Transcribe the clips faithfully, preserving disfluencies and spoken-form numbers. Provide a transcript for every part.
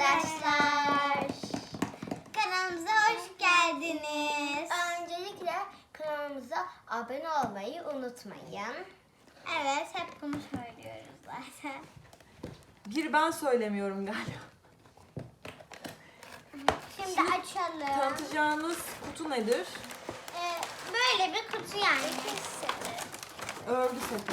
arkadaşlar. Kanalımıza hoş geldiniz. Öncelikle kanalımıza abone olmayı unutmayın. Evet, hep bunu söylüyoruz zaten. Bir ben söylemiyorum galiba. Şimdi açalım. Tanıtacağınız kutu nedir? Ee, böyle bir kutu yani. Örgü seti.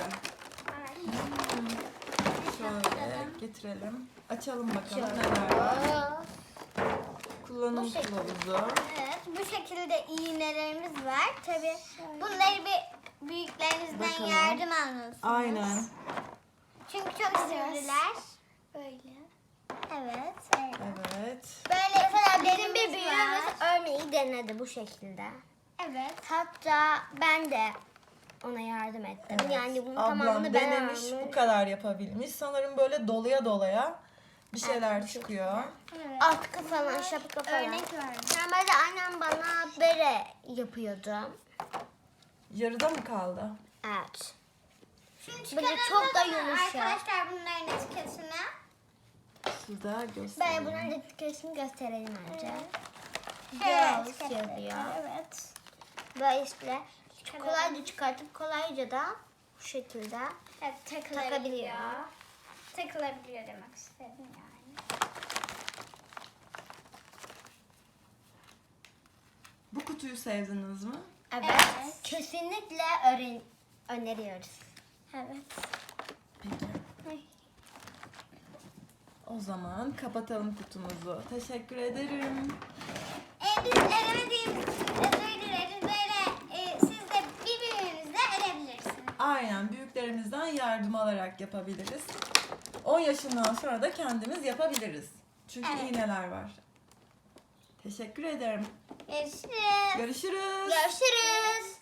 Şöyle getirelim. Açalım bakalım neler var. Kullanım Bu şekilde. kılavuzu. Evet, bu şekilde iğnelerimiz var. Tabii bunları bir büyüklerinizden Bakalım. yardım almalısınız. Aynen. Çünkü çok sivriler. Böyle. Evet. Evet. Evet. Böyle Mesela bizim iplerimiz bir büyüğümüz var. örmeyi denedi bu şekilde. Evet. Hatta ben de ona yardım ettim. Evet. Yani bunun Ablam tamamını ben denemiş, örmüş. bu kadar yapabilmiş. Sanırım böyle dolaya dolaya bir şeyler bu çıkıyor. Evet. Atkı falan, şapka falan. Örnek verdim. Normalde annem bana bere yapıyordu. Yarıda mı kaldı? Evet. Şimdi Böyle çıkaralım çok da mı yumuşak. arkadaşlar bunların etiketini. Şurada Ben göstereyim. bunun etiketini gösterelim önce. Evet. Girls yazıyor. Evet. Böyle işte kolayca çıkartıp kolayca da bu şekilde Evet, takılabiliyor. takabiliyor. Takılabiliyor demek istedim yani. Bu kutuyu sevdiniz mi? Evet. Evet. Kesinlikle öğren öneriyoruz. Evet. Peki. Ay. O zaman kapatalım kutumuzu. Teşekkür ederim. E, biz eremediğimiz için özür dileriz. Böyle e, siz de birbirinizle erebilirsiniz. Aynen, büyüklerimizden yardım alarak yapabiliriz. on yaşından sonra da kendimiz yapabiliriz. Çünkü Evet. iğneler var. Teşekkür ederim. Görüşürüz. Görüşürüz. Görüşürüz.